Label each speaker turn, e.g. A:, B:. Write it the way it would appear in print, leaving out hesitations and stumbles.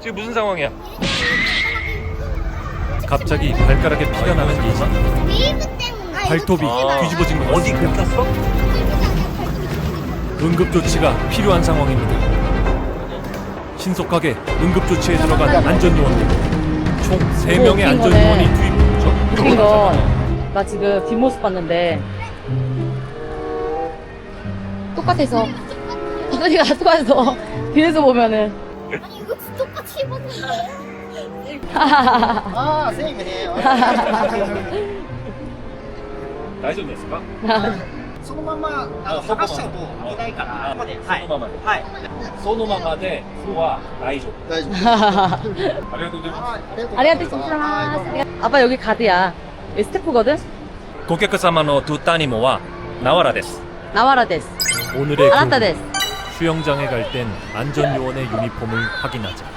A: 지금 무슨 상황이야? 갑자기 발가락에 피가 나는 예지.
B: 웨이브 때문에.
A: 발톱이 뒤집어진 것
C: 어디
A: 같습니다.
C: 긁혔어?
A: 응급조치가 필요한 상황입니다. 신속하게 응급조치에 들어간 안전요원들. 총 3명의
D: 웃긴
A: 안전요원이
D: 거네.
A: 투입됐죠.
D: 웃긴 건, 나 지금 뒷모습 봤는데, 똑같아서, 이소리가 똑같아서, 뒤에서 보면은,
B: 아니 이거 똑같이 입었는데.
E: ああ、セーフね。
A: 大丈夫ですか？
E: そのまま剥がしちゃうと危ないから。ここで、はい。
A: そのままで。
E: はい。
A: そのままで、は大丈夫。
E: 大丈夫。
A: ありがとうございます。
D: ありがとうございます。아빠 여기 가드야. 여기 스태프거든?
A: 顧客様のトゥタニモはナワラです。
D: 나와라 데스.
A: 오늘의
D: 알았다
A: 교훈.
D: 데스.
A: 수영장에 갈 땐 안전요원의 유니폼을 확인하자.